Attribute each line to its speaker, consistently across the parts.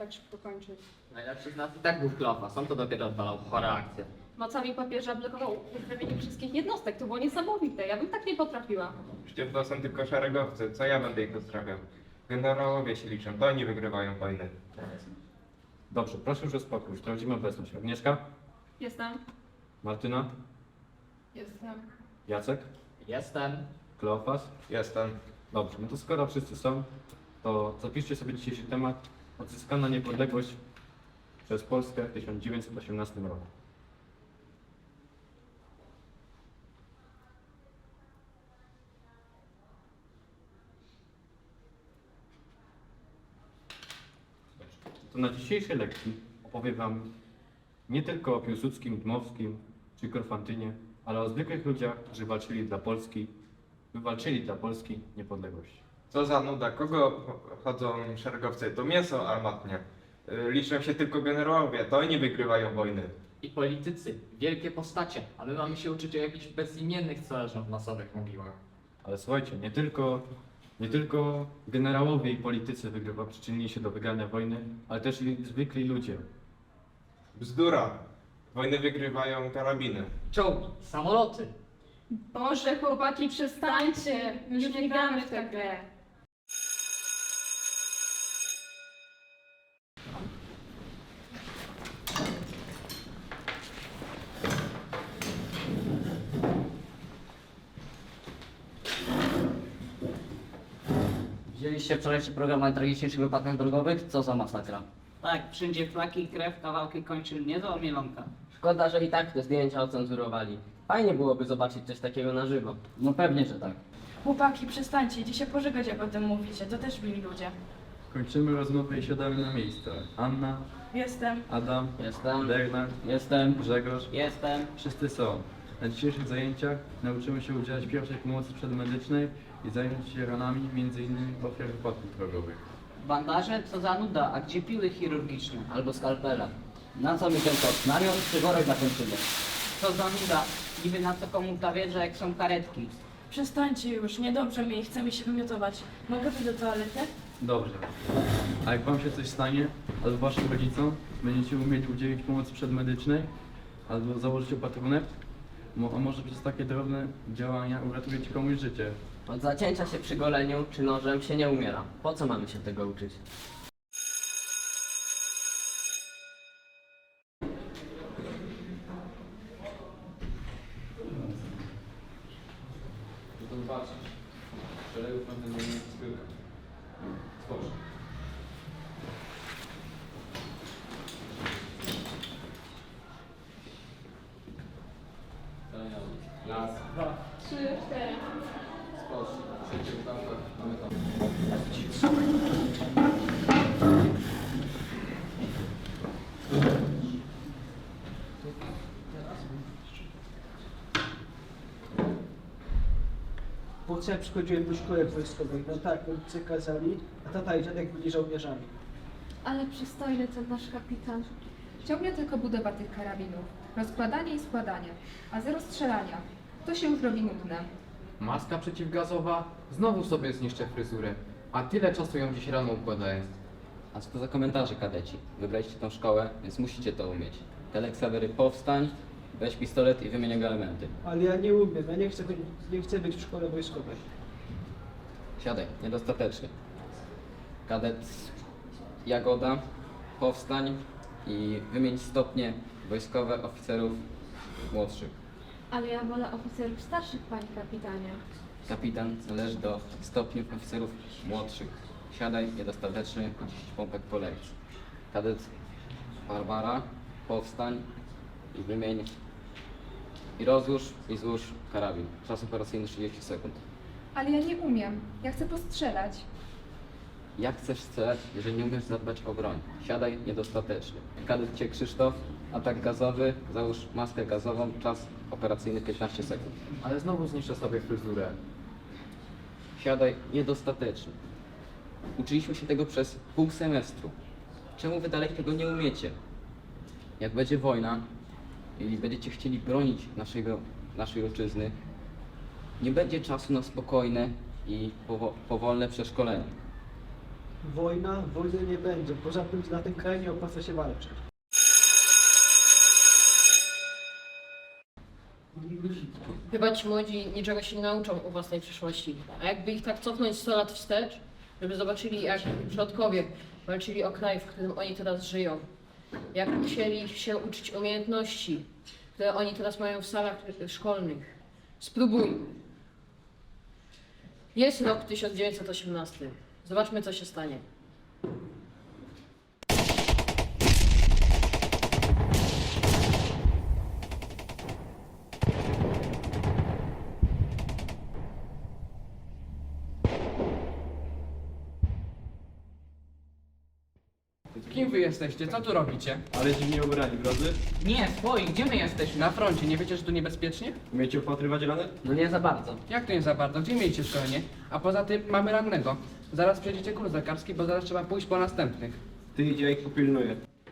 Speaker 1: tak szybko kończyć.
Speaker 2: Najlepszy z nas i tak był Kleofas, on to dopiero odwalał chore akcje.
Speaker 3: Mocami papieża blokował wyprawienie wszystkich jednostek. To było niesamowite. Ja bym tak nie potrafiła.
Speaker 4: Przecież to są tylko szeregowcy, co ja będę ich pozdrawiał? Generałowie się liczą, to oni wygrywają wojny.
Speaker 5: Dobrze, proszę już o spokój. Sprawdzimy obecność. Agnieszka?
Speaker 3: Jestem.
Speaker 5: Martyna?
Speaker 1: Jestem.
Speaker 5: Jacek?
Speaker 2: Jestem.
Speaker 5: Kleofas?
Speaker 4: Jestem.
Speaker 5: Dobrze, no to skoro wszyscy są, to zapiszcie sobie dzisiejszy temat. Odzyskana niepodległość przez Polskę w 1918 roku. To na dzisiejszej lekcji opowiem Wam nie tylko o Piłsudskim, Dmowskim czy Korfantynie, ale o zwykłych ludziach, którzy wywalczyli dla Polski niepodległość.
Speaker 4: Co za nuda, kogo chodzą szeregowcy? To mięso armatnie. Liczą się tylko generałowie, to oni wygrywają wojny.
Speaker 2: I politycy, wielkie postacie, a my mamy się uczyć o jakichś bezimiennych, co leżą w masowych mogiłach.
Speaker 5: Ale słuchajcie, nie tylko generałowie i politycy przyczynili się do wygrania wojny, ale też i zwykli ludzie.
Speaker 4: Bzdura. Wojny wygrywają karabiny.
Speaker 2: Czołgi, samoloty.
Speaker 3: Boże, chłopaki, przestańcie. My już nie gramy w tę grę.
Speaker 6: Widzieliście wczorajszy program o najtragiczniejszych wypadkach drogowych? Co za masakra.
Speaker 7: Tak, wszędzie flaki i krew, kawałki kończyn, niezła mielonka.
Speaker 6: Szkoda, że i tak te zdjęcia ocenzurowali. Fajnie byłoby zobaczyć coś takiego na żywo. No pewnie, że tak.
Speaker 1: Chłopaki, przestańcie, idzie się pożegać, jak o tym mówicie. To też byli ludzie.
Speaker 8: Kończymy rozmowę i siadamy na miejsca. Anna,
Speaker 1: Jestem.
Speaker 8: Adam,
Speaker 6: Jestem.
Speaker 8: Bernard,
Speaker 6: Jestem.
Speaker 8: Grzegorz.
Speaker 7: Jestem.
Speaker 8: Wszyscy są. Na dzisiejszych zajęciach nauczymy się udzielać pierwszej pomocy przedmedycznej i zająć się ranami m.in. ofiar wypadków drogowych.
Speaker 7: Bandaże? Co za nuda, a gdzie piły chirurgiczne?
Speaker 6: Albo skalpela. Na co mi ten kot? Namiot czy worek na kończynie?
Speaker 7: Co za nuda, niby na co komu ta wiedza, jak są karetki.
Speaker 1: Przestańcie już, niedobrze mi, chce mi się wymiotować. Mogę wyjść do toalety?
Speaker 8: Dobrze. A jak wam się coś stanie, albo waszym rodzicom, będziecie umieli udzielić pomocy przedmedycznej, albo założyć opatrunek, a może przez takie drobne działania uratujecie komuś życie.
Speaker 6: Od zacięcia się przy goleniu czy nożem się nie umiera. Po co mamy się tego uczyć?
Speaker 5: To zobaczyć. Szeregów będę miał spyłkę. Spocznij. Raz,
Speaker 3: Dwa, trzy, cztery.
Speaker 5: spocznij. Trzecie pytanko, mamy tam.
Speaker 9: Po co ja przychodziłem do szkoły wojskowej? No tak, rodzice kazali, a tata i dziadek byli żołnierzami.
Speaker 10: Ale przystojny ten nasz kapitan. Ciągle tylko budowa tych karabinów, rozkładanie i składanie, a zero strzelania. To się już robi nudne.
Speaker 11: Maska przeciwgazowa, znowu sobie zniszczę fryzurę, a tyle czasu ją dziś rano układając.
Speaker 6: A co to za komentarze, kadeci? Wybraliście tą szkołę, więc musicie to umieć. Telek Sawery, powstań, weź pistolet i wymień jego elementy.
Speaker 9: Ale ja nie umiem, ja nie chcę być w szkole wojskowej.
Speaker 6: Siadaj, niedostatecznie. Kadet Jagoda, powstań i wymień stopnie wojskowe oficerów młodszych.
Speaker 10: Ale ja wolę oficerów starszych, panie kapitanie.
Speaker 6: Kapitan należy do stopniów oficerów młodszych. Siadaj, niedostateczny, 10 pompek po lekcji. Kadet Barbara, powstań i wymień i rozłóż i złóż karabin. Czas operacyjny 30 sekund.
Speaker 10: Ale ja nie umiem. Ja chcę postrzelać.
Speaker 6: Jak chcesz strzelać, jeżeli nie umiesz zadbać o broń? Siadaj, niedostateczny. Kadet Cię Krzysztof, atak gazowy, załóż maskę gazową, czas operacyjny 15 sekund.
Speaker 11: Ale znowu zniszczę sobie fryzurę.
Speaker 6: Siadaj, niedostateczny. Uczyliśmy się tego przez pół semestru. Czemu wy dalej tego nie umiecie? Jak będzie wojna i będziecie chcieli bronić naszej ojczyzny, nie będzie czasu na spokojne i powolne przeszkolenie.
Speaker 9: Wojny nie będzie. Poza tym na tym kraju nie opłaca się walczyć.
Speaker 12: Chyba ci młodzi niczego się nie nauczą o własnej przyszłości. A jakby ich tak cofnąć 100 lat wstecz, żeby zobaczyli, jak przodkowie walczyli o kraj, w którym oni teraz żyją. Jak musieli się uczyć umiejętności, które oni teraz mają w salach szkolnych. Spróbujmy. Jest rok 1918. Zobaczmy, co się stanie.
Speaker 11: Kim wy jesteście? Co tu robicie?
Speaker 5: Ale dziwnie ubrani, drodzy.
Speaker 7: Nie, twoi, gdzie my jesteśmy?
Speaker 11: Na froncie, nie wiecie, że tu niebezpiecznie?
Speaker 5: Umiecie opatrywać rany?
Speaker 7: No nie za bardzo.
Speaker 11: Jak to nie za bardzo? Gdzie mieliście szkolenie? A poza tym mamy rannego. Zaraz przejdziecie kurs lekarski, bo zaraz trzeba pójść po następnych.
Speaker 5: Ty idzie, ja ich popilnuję.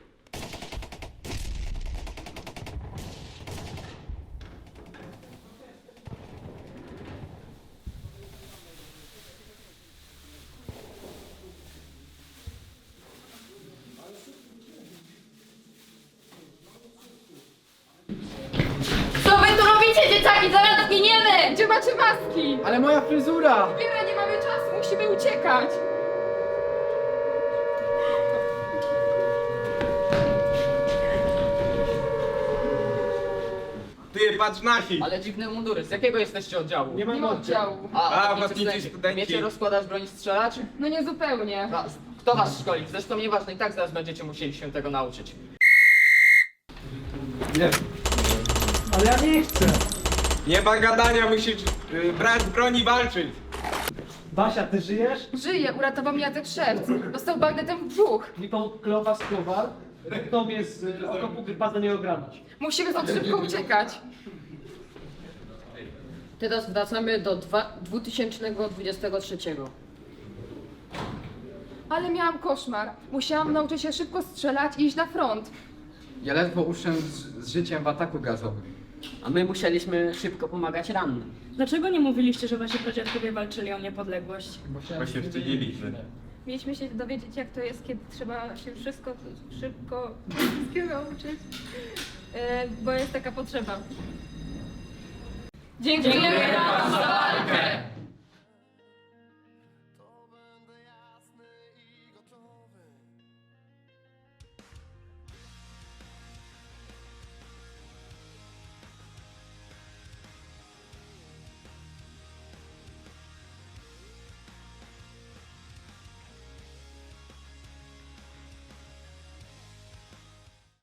Speaker 3: Co wy tu robicie, dzieciaki? Zaraz zginiemy!
Speaker 10: Gdzie macie maski?
Speaker 11: Ale moja fryzura!
Speaker 10: Biera, nie mamy czasu, musimy uciekać.
Speaker 4: Ty, patrz nasi!
Speaker 2: Ale dziwne mundury, z jakiego jesteście oddziału?
Speaker 9: Nie
Speaker 10: Nie ma oddziału.
Speaker 4: A,
Speaker 2: ochotnicy
Speaker 4: ochotnicy studenci.
Speaker 2: Wiecie rozkładać broń i strzelać?
Speaker 10: No nie zupełnie.
Speaker 2: A, kto was szkoli? Zresztą nieważne, i tak zaraz będziecie musieli się tego nauczyć.
Speaker 5: Nie.
Speaker 9: Ale ja nie chcę.
Speaker 4: Nie ma gadania, musisz brać broń i walczyć.
Speaker 9: Basia, ty żyjesz?
Speaker 10: Żyje, uratował mnie Jacek Szewc. Dostał bagnetem w brzuch.
Speaker 9: Lipo Klowa Skowal. Tobie z okopu wypada nie obranić.
Speaker 10: Musimy stąd szybko uciekać.
Speaker 12: Teraz wracamy do 2023.
Speaker 10: Ale miałam koszmar. Musiałam nauczyć się szybko strzelać i iść na front.
Speaker 11: Ja ledwo uszłem z życiem w ataku gazowym.
Speaker 7: A my musieliśmy szybko pomagać rannym.
Speaker 1: Dlaczego nie mówiliście, że wasi pradziadkowie walczyli o niepodległość?
Speaker 4: Bo się wstydziliśmy.
Speaker 10: Mieliśmy się dowiedzieć, jak to jest, kiedy trzeba się szybko wszystkiego uczyć, bo jest taka potrzeba.
Speaker 3: Dziękujemy wam za walkę!